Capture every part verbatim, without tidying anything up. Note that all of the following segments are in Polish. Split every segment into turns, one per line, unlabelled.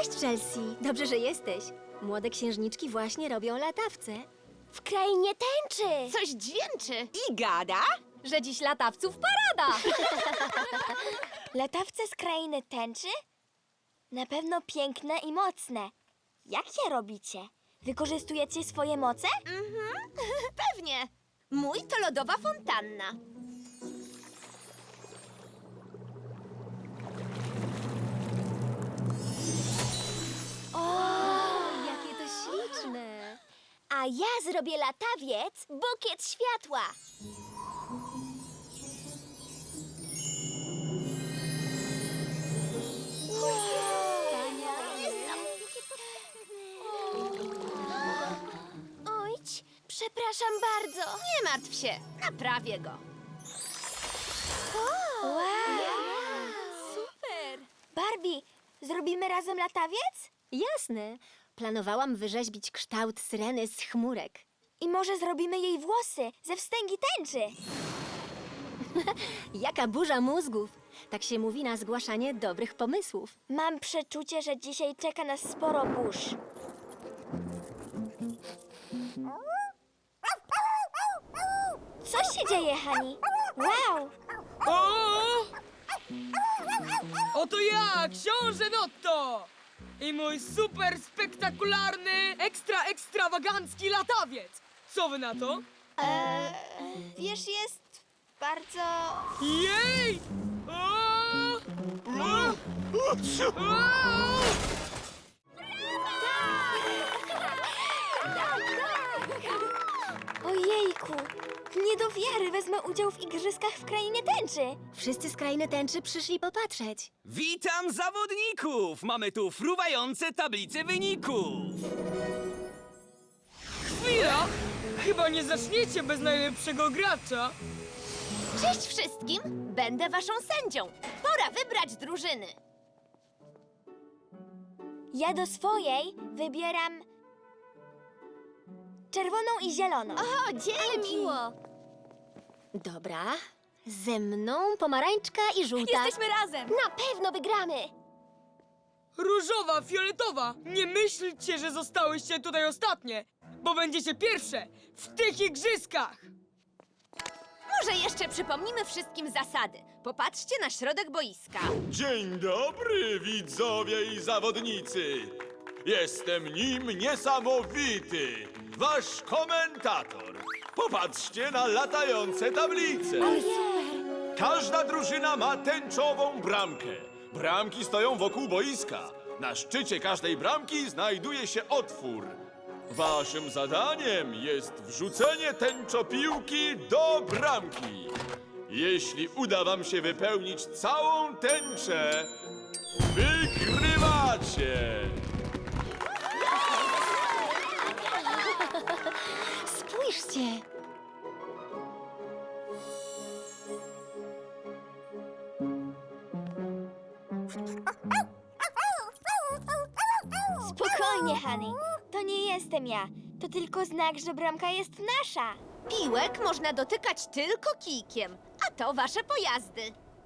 Cześć, Chelsea. Dobrze, że jesteś. Młode księżniczki właśnie robią latawce.
W krainie tęczy!
Coś dźwięczy.
I gada?
Że dziś latawców parada!
Latawce z krainy tęczy? Na pewno piękne i mocne. Jak je robicie? Wykorzystujecie swoje moce?
Mhm, pewnie. Mój to lodowa fontanna.
Jakie to śliczne!
A ja zrobię latawiec bukiet światła. Ojć, przepraszam bardzo.
Nie martw się, naprawię go.
Wow.
Super!
Barbie, zrobimy razem latawiec?
Jasne. Planowałam wyrzeźbić kształt syreny z chmurek.
I może zrobimy jej włosy ze wstęgi tęczy.
Jaka burza mózgów! Tak się mówi na zgłaszanie dobrych pomysłów.
Mam przeczucie, że dzisiaj czeka nas sporo burz. Co się dzieje, Hani? Wow!
O! Oto ja, książę Notto! I mój super spektakularny, ekstra ekstrawagancki latawiec! Co wy na to?
Eee, wiesz, jest bardzo...
Jej! O! O! O!
Ojejku! Nie do wiary wezmę udział w igrzyskach w krainie tęczy.
Wszyscy z krainy tęczy przyszli popatrzeć.
Witam zawodników! Mamy tu fruwające tablice wyników.
Chwila! Chyba nie zaczniecie bez najlepszego gracza.
Cześć wszystkim, będę waszą sędzią. Pora wybrać drużyny.
Ja do swojej wybieram... czerwoną i zieloną.
O, dzięki.
miło.
Dobra. Ze mną pomarańczka i żółta.
razem. Na pewno wygramy.
Różowa, fioletowa, nie myślcie, że zostałyście tutaj ostatnie, bo będziecie pierwsze w tych igrzyskach.
Może jeszcze przypomnimy wszystkim zasady. Popatrzcie na środek boiska.
Dzień dobry, widzowie i zawodnicy! Jestem nim niesamowity, wasz komentator. Popatrzcie na latające tablice. Każda drużyna ma tęczową bramkę. Bramki stoją wokół boiska. Na szczycie każdej bramki znajduje się otwór. Waszym zadaniem jest wrzucenie tęczopiłki do bramki. Jeśli uda wam się wypełnić całą tęczę, wygrywacie!
Spójrzcie!
Spokojnie, Hani. To nie jestem ja. To tylko znak, że bramka jest nasza.
Piłek można dotykać tylko kijkiem, a to wasze pojazdy.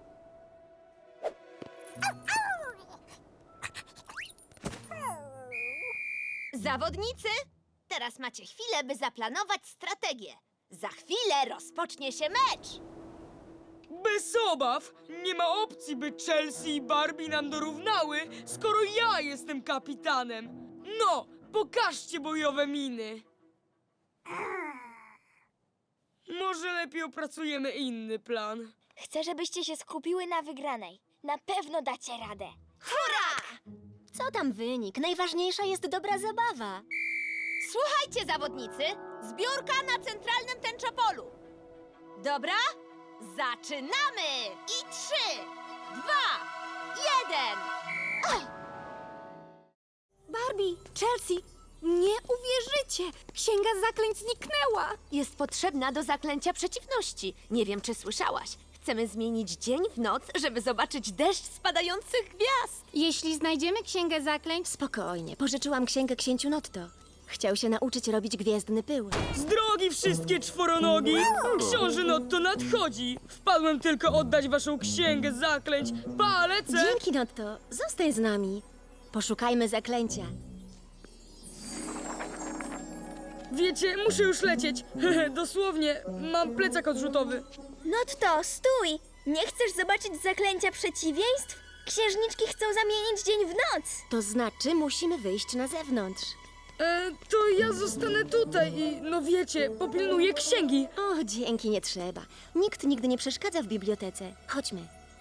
Zawodnicy, teraz macie chwilę, by zaplanować strategię. Za chwilę rozpocznie się mecz.
Bez obaw, nie ma opcji, by Chelsea i Barbie nam dorównały, skoro ja jestem kapitanem. No, pokażcie bojowe miny. Może lepiej opracujemy inny plan.
Chcę, żebyście się skupiły na wygranej. Na pewno dacie radę.
Co tam wynik? Najważniejsza jest dobra zabawa.
Słuchajcie, zawodnicy, zbiórka na centralnym tęczopolu. Dobra? Zaczynamy! I trzy, dwa, jeden.
Barbie, Chelsea, nie uwierzycie! Księga zaklęć zniknęła!
Jest potrzebna do zaklęcia przeciwności. Nie wiem, czy słyszałaś. Chcemy zmienić dzień w noc, żeby zobaczyć deszcz spadających gwiazd.
Jeśli znajdziemy księgę zaklęć,
Spokojnie, pożyczyłam księgę księciu Notto. Chciał się nauczyć robić gwiezdny pył.
Z drogi wszystkie czworonogi! Książę Notto nadchodzi! Wpadłem tylko oddać waszą księgę zaklęć. Pa, lecę!
Dzięki, Notto. Zostań z nami. Poszukajmy zaklęcia.
Wiecie, muszę już lecieć. Hehe, dosłownie, mam plecak odrzutowy.
No to stój! Nie chcesz zobaczyć zaklęcia przeciwieństw? Księżniczki chcą zamienić dzień w noc.
To znaczy, musimy wyjść na zewnątrz.
E, to ja zostanę tutaj i, no wiecie, popilnuję księgi.
O, dzięki, nie trzeba. Nikt nigdy nie przeszkadza w bibliotece. Chodźmy.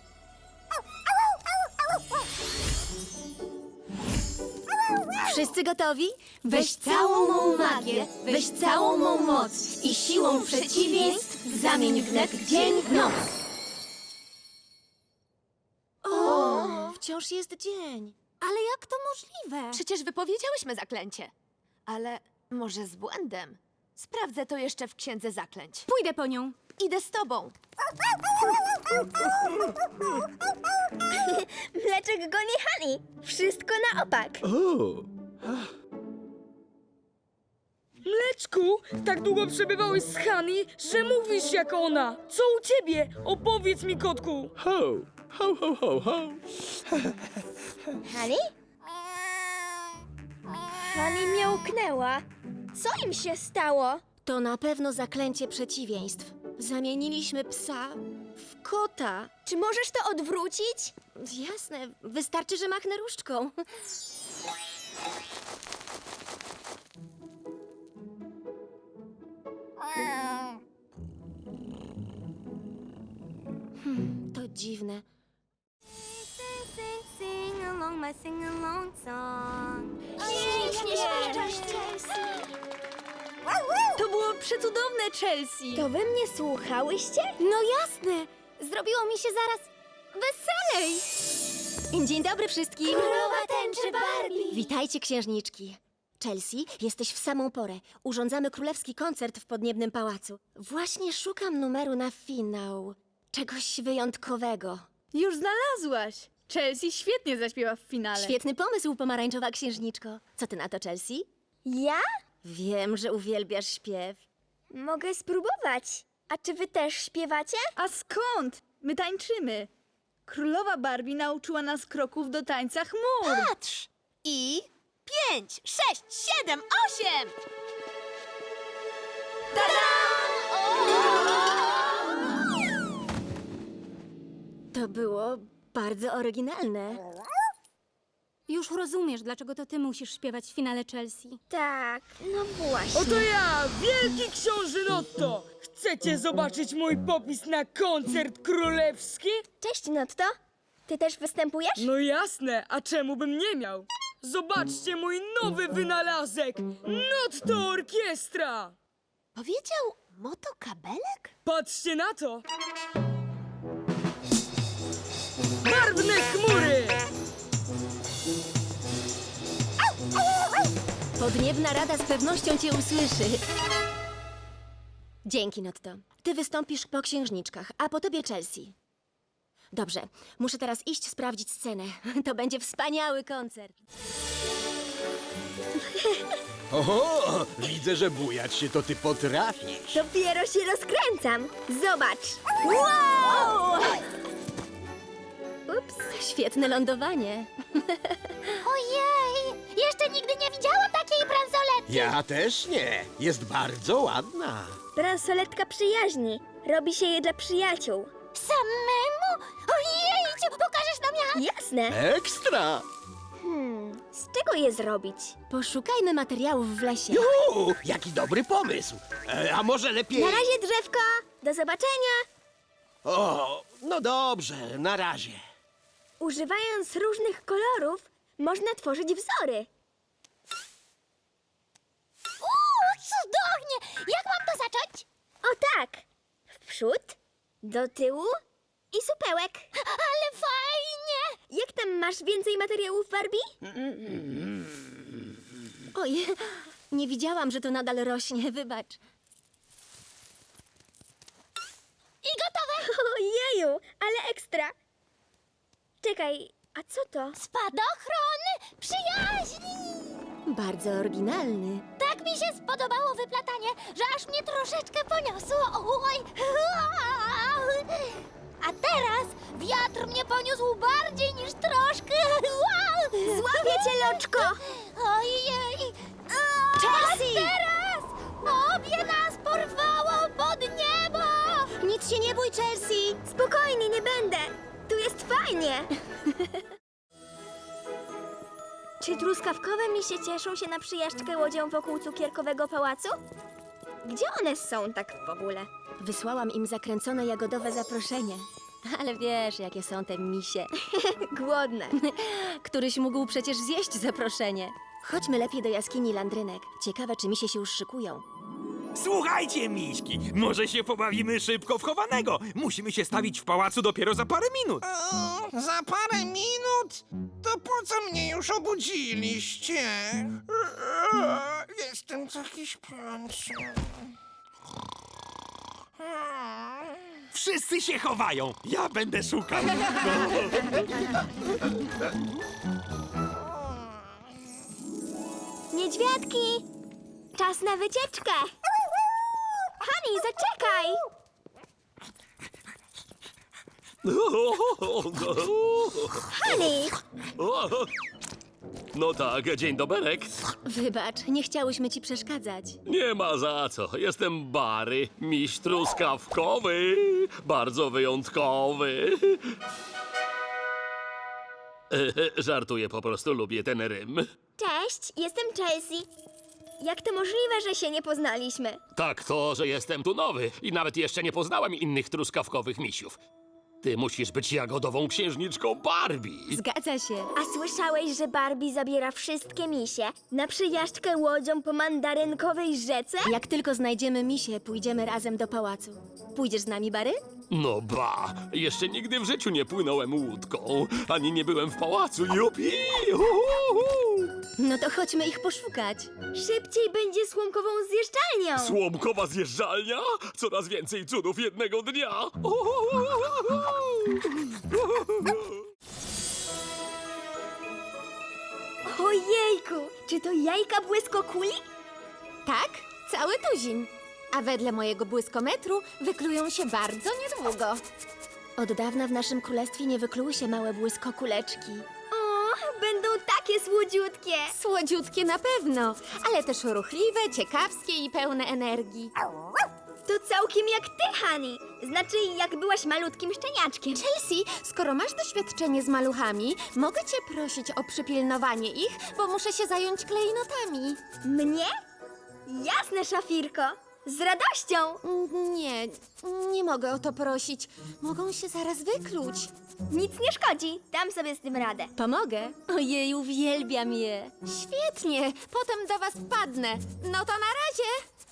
Wszyscy gotowi?
Weź całą mą magię, weź całą mą moc i siłą przeciwieństw zamień wnet dzień w noc.
O, wciąż jest dzień.
Ale jak to możliwe?
Przecież wypowiedziałyśmy zaklęcie. Ale może z błędem. Sprawdzę to jeszcze w księdze zaklęć.
Pójdę po nią.
Idę z tobą.
Mleczek goni Hani. Wszystko na opak.
Mleczku, tak długo przebywałeś z Hani, że mówisz jak ona. Co u ciebie? Opowiedz mi, kotku.
Ho, ho, ho, ho, ho.
Hani? Hani miałknęła. Co im się stało?
To na pewno zaklęcie przeciwieństw. Zamieniliśmy psa w kota.
Czy możesz to odwrócić?
Jasne, wystarczy, że machnę różdżką. Hmm, to dziwne.
To było przecudowne, Chelsea.
To wy mnie słuchałyście?
No jasne. Zrobiło mi się zaraz weselej.
Dzień dobry wszystkim!
Królowa tęczy Barbie.
Witajcie, księżniczki. Chelsea, jesteś w samą porę. Urządzamy królewski koncert w Podniebnym Pałacu. Właśnie szukam numeru na finał. Czegoś wyjątkowego.
Już znalazłaś. Chelsea świetnie zaśpiewa w finale.
Świetny pomysł, pomarańczowa księżniczko. Co ty na to, Chelsea?
Ja?
Wiem, że uwielbiasz śpiew.
Mogę spróbować. A czy wy też śpiewacie?
A skąd? My tańczymy. Królowa Barbie nauczyła nas kroków do tańca chmur.
Patrz! I pięć, sześć, siedem, osiem!
To było bardzo oryginalne.
Już rozumiesz, dlaczego to ty musisz śpiewać w finale, Chelsea.
Tak, no właśnie.
Oto ja, wielki książę Notto. Chcecie zobaczyć mój popis na koncert królewski?
Cześć, Notto. Ty też występujesz?
No jasne, a czemu bym nie miał? Zobaczcie mój nowy wynalazek! Notto Orkiestra!
Powiedział motokabelek?
Patrzcie na to! Barwne chmury!
Podniebna Rada z pewnością cię usłyszy. Dzięki, Notto. Ty wystąpisz po księżniczkach, a po tobie Chelsea. Dobrze, muszę teraz iść sprawdzić scenę. To będzie wspaniały koncert.
Oho, widzę, że bujać się to ty potrafisz.
Dopiero się rozkręcam. Zobacz. Wow! Ups.
Świetne lądowanie.
Ojej! Jeszcze nigdy nie widziałam takiej bransoletki.
Ja też nie. Jest bardzo ładna.
Bransoletka przyjaźni. Robi się je dla przyjaciół. Samemu? Ojejciu, pokażesz nam jak? Jasne.
Ekstra!
Hmm, z czego je zrobić?
Poszukajmy materiałów w lesie.
Juhu, jaki dobry pomysł. E, a może lepiej...
Na razie, drzewko. Do zobaczenia.
O, no dobrze, na razie.
Używając różnych kolorów, można tworzyć wzory. Uuu, cudownie! Jak mam to zacząć? O tak. W przód, do tyłu i supełek. Ale fajnie! Jak tam masz więcej materiałów, Barbie?
Oj, nie widziałam, że to nadal rośnie, wybacz.
I gotowe! Ojeju, ale ekstra. Czekaj, a co to? Spadochron przyjaźni!
Bardzo oryginalny.
Tak mi się spodobało wyplatanie, że aż mnie troszeczkę poniosło. Oj! A teraz wiatr mnie poniósł bardziej niż troszkę. Wow!
Złapię cię, Loczko!
Ojej!
Chelsea!
Teraz! Obie nas porwało pod niebo!
Nic się nie bój, Chelsea! Spokojnie, nie będę! Tu jest fajnie!
Czy truskawkowe misie cieszą się na przyjażdżkę łodzią wokół cukierkowego pałacu? Gdzie one są tak w ogóle?
Wysłałam im zakręcone jagodowe zaproszenie. Ale wiesz, jakie są te misie.
Głodne.
Któryś mógł przecież zjeść zaproszenie. Chodźmy lepiej do jaskini Landrynek. Ciekawe, czy misie się już szykują.
Słuchajcie, miśki, może się pobawimy szybko w chowanego. Musimy się stawić w pałacu dopiero za parę minut.
O, za parę minut? To po co mnie już obudziliście? Jestem taki śpiący.
Wszyscy się chowają. Ja będę szukał.
Niedźwiadki! Czas na wycieczkę! Hani, zaczekaj! Hani!
No tak, dzień doberek.
Wybacz, nie chciałyśmy ci przeszkadzać.
Nie ma za co. Jestem Bary, miś truskawkowy. Bardzo wyjątkowy. E, Żartuję, po prostu lubię ten rym.
Cześć, jestem Chelsea. Jak to możliwe, że się nie poznaliśmy?
Tak to, że jestem tu nowy i nawet jeszcze nie poznałem innych truskawkowych misiów. Ty musisz być jagodową księżniczką Barbie.
Zgadza się.
A słyszałeś, że Barbie zabiera wszystkie misie na przyjażdżkę łodzią po mandarynkowej rzece?
Jak tylko znajdziemy misie, pójdziemy razem do pałacu. Pójdziesz z nami, Bary?
No ba, jeszcze nigdy w życiu nie płynąłem łódką, ani nie byłem w pałacu. Jupi! Uhuhu!
No to chodźmy ich poszukać.
Szybciej będzie słomkową zjeżdżalnią!
Słomkowa zjeżdżalnia? Coraz więcej cudów jednego dnia. Uhuhu!
Ojejku, czy to jajka błyskokuli?
Tak, cały tuzin. A wedle mojego błyskometru wyklują się bardzo niedługo.
Od dawna w naszym królestwie nie wykluły się małe błyskokuleczki.
O, będą takie słodziutkie!
Słodziutkie na pewno, ale też ruchliwe, ciekawskie i pełne energii.
To całkiem jak ty, Hani. Znaczy, jak byłaś malutkim szczeniaczkiem.
Chelsea, skoro masz doświadczenie z maluchami, mogę cię prosić o przypilnowanie ich, bo muszę się zająć klejnotami.
Mnie? Jasne, szafirko. Z radością.
Mm, Nie, nie mogę o to prosić. Mogą się zaraz wykluć.
Nic nie szkodzi. Dam sobie z tym radę.
Pomogę? Ojej, uwielbiam je.
Świetnie, potem do was wpadnę. No to na razie.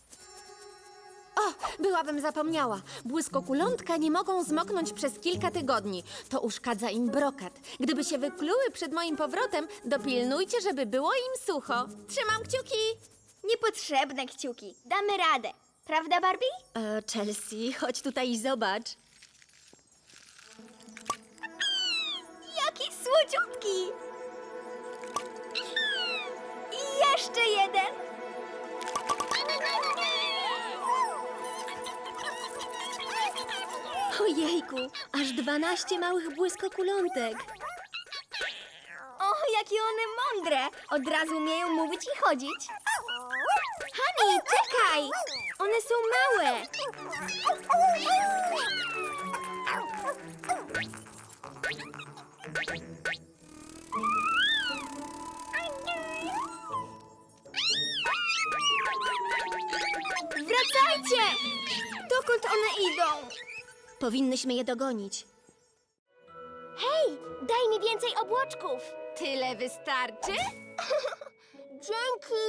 O, byłabym zapomniała. Błyskokulątka nie mogą zmoknąć przez kilka tygodni. To uszkadza im brokat. Gdyby się wykluły przed moim powrotem, dopilnujcie, żeby było im sucho. Trzymam kciuki.
Niepotrzebne kciuki. Damy radę. Prawda, Barbie?
E, Chelsea, chodź tutaj i zobacz.
Jaki słodziutki! I jeszcze jeden!
Ojejku, aż dwanaście małych błyskokulątek.
O, jakie one mądre! Od razu umieją mówić i chodzić. Hani, czekaj! One są małe! Wracajcie! Dokąd one idą?
Powinnyśmy je dogonić.
Hej, daj mi więcej obłoczków!
Tyle wystarczy?
Dzięki!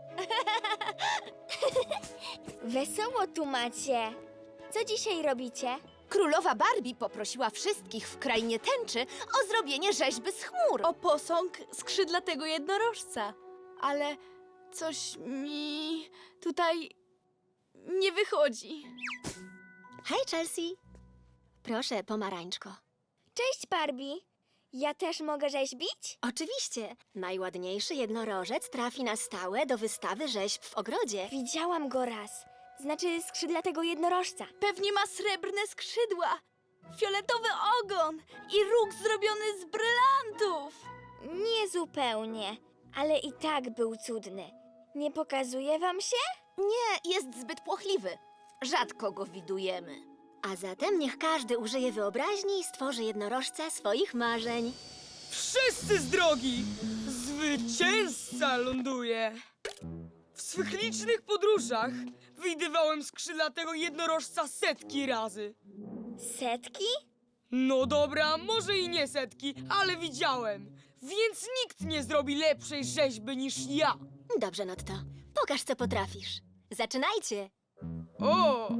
Wesoło tu macie. Co dzisiaj robicie?
Królowa Barbie poprosiła wszystkich w krainie tęczy o zrobienie rzeźby z chmur.
O posąg skrzydlatego jednorożca. Ale coś mi tutaj nie wychodzi.
Hej, Chelsea. Proszę, pomarańczko.
Cześć, Barbie. Ja też mogę rzeźbić?
Oczywiście. Najładniejszy jednorożec trafi na stałe do wystawy rzeźb w ogrodzie.
Widziałam go raz. Znaczy skrzydlatego jednorożca.
Pewnie ma srebrne skrzydła. fioletowy ogon i róg zrobiony z brylantów.
Nie zupełnie, ale i tak był cudny. Nie pokazuje wam się?
Nie, jest zbyt płochliwy. Rzadko go widujemy.
A zatem niech każdy użyje wyobraźni i stworzy jednorożca swoich marzeń.
Wszyscy z drogi! Zwycięzca ląduje! W swych licznych podróżach widywałem skrzydlatego jednorożca setki razy.
Setki?
No dobra, może i nie setki, ale widziałem. Więc nikt nie zrobi lepszej rzeźby niż ja.
Dobrze, Notto. Pokaż, co potrafisz. Zaczynajcie.
O!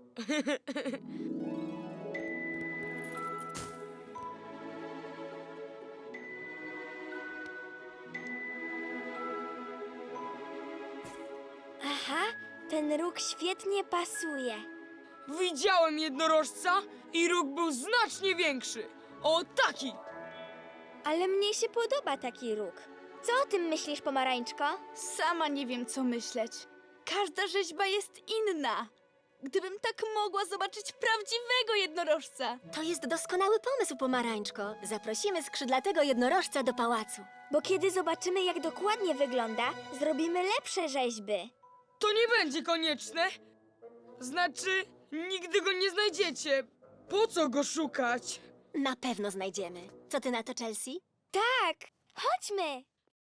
Aha, ten róg świetnie pasuje.
Widziałem jednorożca i róg był znacznie większy. O, taki!
Ale mnie się podoba taki róg. Co o tym myślisz, pomarańczko?
Sama nie wiem, co myśleć. Każda rzeźba jest inna. Gdybym tak mogła zobaczyć prawdziwego jednorożca.
To jest doskonały pomysł, pomarańczko. Zaprosimy skrzydlatego jednorożca do pałacu.
Bo kiedy zobaczymy, jak dokładnie wygląda, zrobimy lepsze rzeźby.
To nie będzie konieczne. Znaczy, nigdy go nie znajdziecie. Po co go szukać?
Na pewno znajdziemy. Co ty na to, Chelsea?
Tak, chodźmy.